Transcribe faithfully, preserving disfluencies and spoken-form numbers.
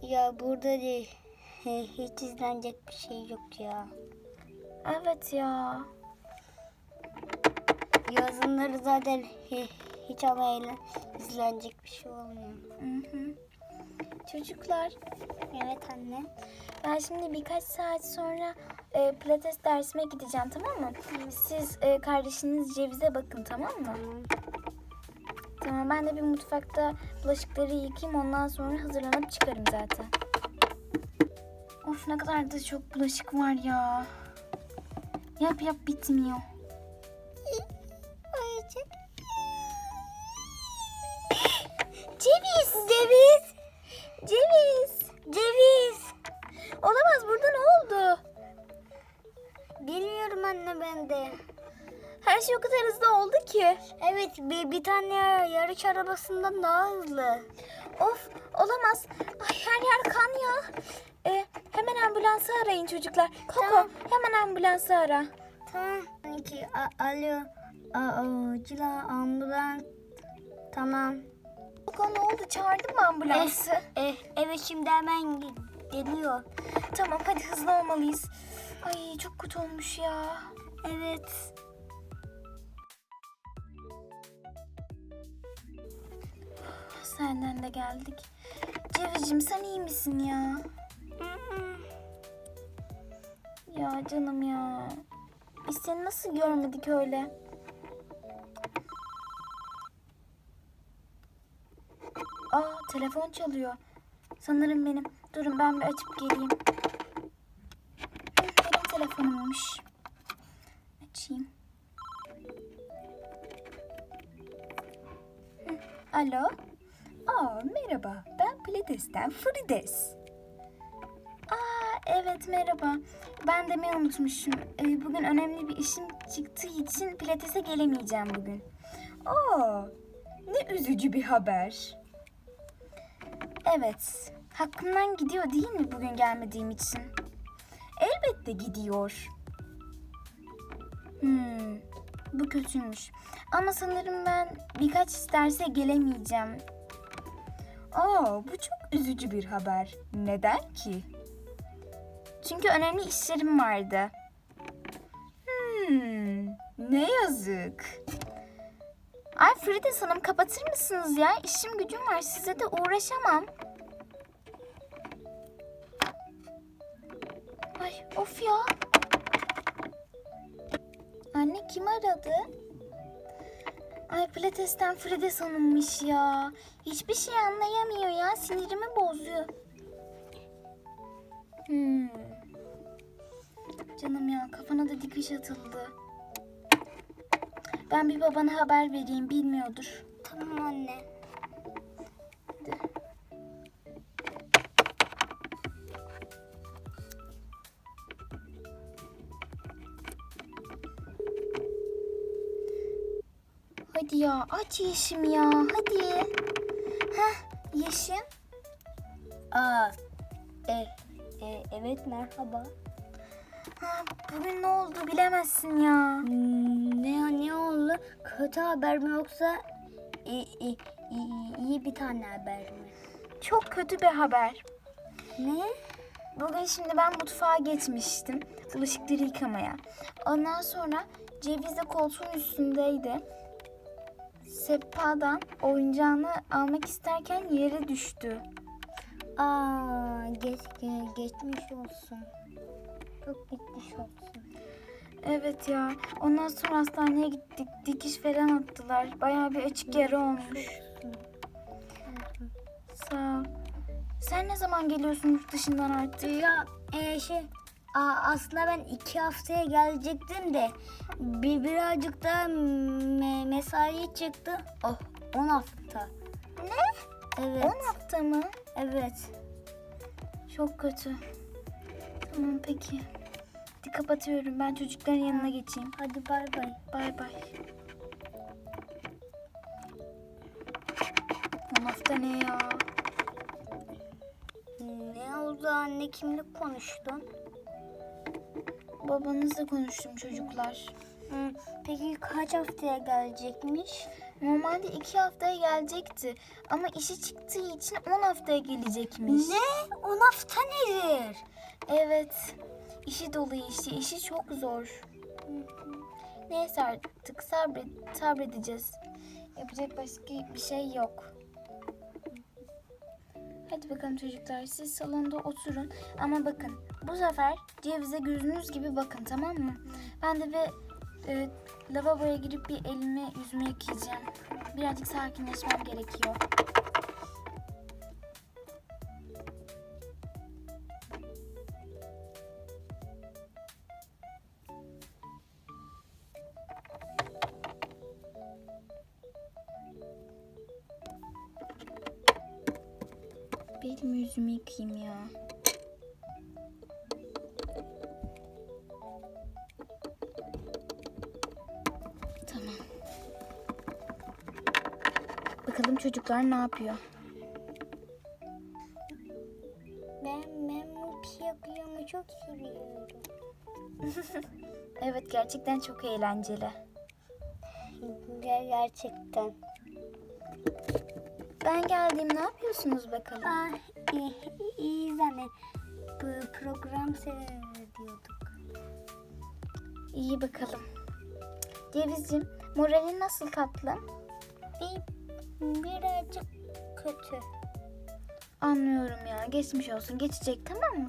Ya burada değil. Hiç izlenecek bir şey yok ya. Evet ya. Yazınları zaten hiç ama izlenecek bir şey olmuyor. Hı hı. Çocuklar, Evet anne. ben şimdi birkaç saat sonra e, pilates dersime gideceğim, tamam mı? Siz e, kardeşiniz Ceviz'e bakın, tamam mı? Tamam. Tamam, ben de bir mutfakta bulaşıkları yıkayayım, ondan sonra hazırlanıp çıkarım zaten. Of, ne kadar da çok bulaşık var ya. Yap yap bitmiyor. Ayıcık. Ceviz! Ceviz! Ceviz! Ceviz! Olamaz, burada ne oldu? Bilmiyorum anne ben de. Her şey o kadar hızlı oldu ki. Evet bir, bir tane yarış arabasından daha hızlı. Of, olamaz. Ay, her yer kan ya. Ee, hemen ambulansı arayın çocuklar. Koko, Tamam. hemen ambulansı ara. Tamam. İki, a- alo. Acila ambulans. Tamam. Koko, ne oldu? Çağırdın mı ambulansı? Eh, evet şimdi hemen gi- geliyor. Tamam, hadi hızlı olmalıyız. Ay, çok kötü olmuş ya. Evet. Senden de geldik. Cevizciğim, sen iyi misin ya? Ya canım ya. Biz seni nasıl görmedik öyle? Aa, telefon çalıyor. Sanırım benim. Durun, ben bir açıp geleyim. Hı, benim telefonummuş. Açayım. Hı, alo. Aa, merhaba. Ben Pilates'ten Frides. Aa, evet, merhaba. Ben demeyi unutmuşum. Ee, bugün önemli bir işim çıktığı için Pilates'e gelemeyeceğim bugün. Aa, ne üzücü bir haber. Evet, hakkımdan gidiyor değil mi bugün gelmediğim için? Elbette gidiyor. Hmm, bu kötüymüş. Ama sanırım ben birkaç derse gelemeyeceğim. Aa, bu çok üzücü bir haber. Neden ki? Çünkü önemli işlerim vardı. Hmm, ne yazık. Ay Frides Hanım, kapatır mısınız ya? İşim gücüm var, size de uğraşamam. Ay of ya. Anne, kim aradı? Ay, Pilates'ten Frides Hanım'mış ya. Hiçbir şey anlayamıyor ya. Sinirimi bozuyor. Hmm. Canım ya, kafana da dikiş atıldı. Ben bir babana haber vereyim, bilmiyordur. Tamam anne. Hadi ya, aç Yeşim ya, hadi. Heh, Yeşim. Aa, e, e, evet merhaba. Ha, bugün ne oldu bilemezsin ya. Hmm, ne ne oldu? Kötü haber mi yoksa iyi, iyi, iyi, iyi bir tane haber mi? Çok kötü bir haber. Ne? Bugün şimdi ben mutfağa geçmiştim bulaşıkları yıkamaya. Ondan sonra Ceviz de koltuğun üstündeydi. Sehpadan oyuncağını almak isterken yere düştü. Aa, geç, ge- geçmiş olsun. Çok geçmiş olsun. Evet ya. Ondan sonra hastaneye gittik. Dikiş falan attılar. Bayağı bir açık yara olmuş. Sağ ol. Sen ne zaman geliyorsun yurt dışından artık? Ya e, şey aa, aslında ben iki haftaya gelecektim de bir birazcık da me- mesai çıktı. Oh, on hafta. Ne? Evet. on hafta mı? Evet. Çok kötü. Tamam peki. Hadi kapatıyorum. Ben çocukların yanına geçeyim. Hadi bay bay. Bay bay. on hafta ne ya? Ne oldu anne, kimle konuştun? Babanızla konuştum çocuklar. Hı, peki kaç haftaya gelecekmiş? Normalde iki haftaya gelecekti. Ama işi çıktığı için on haftaya gelecekmiş. Ne? on hafta nedir? Evet. İşi dolu işi. İşi çok zor. Neyse artık sabret, sabredeceğiz. Yapacak başka bir şey yok. Hadi bakalım çocuklar, siz salonda oturun. Ama bakın, bu sefer cevize gözünüz gibi bakın, tamam mı? Ben de bir e, lavaboya girip bir elimi yüzümü yıkayacağım. Birazcık sakinleşmem gerekiyor. Bir elimi yüzümü yıkayayım ya. Tamam. Bakalım çocuklar ne yapıyor? Ben, ben bu piyakıyımı çok seviyorum. Evet, gerçekten çok eğlenceli. Ger- Gerçekten. Ben geldim, ne yapıyorsunuz bakalım? Ah, iyi, iyi zannet. Bu program seyrediyorduk. İyi bakalım. Cevizciğim, moralin nasıl tatlım? Bir, birazcık kötü. Anlıyorum ya, geçmiş olsun, geçecek, tamam mı?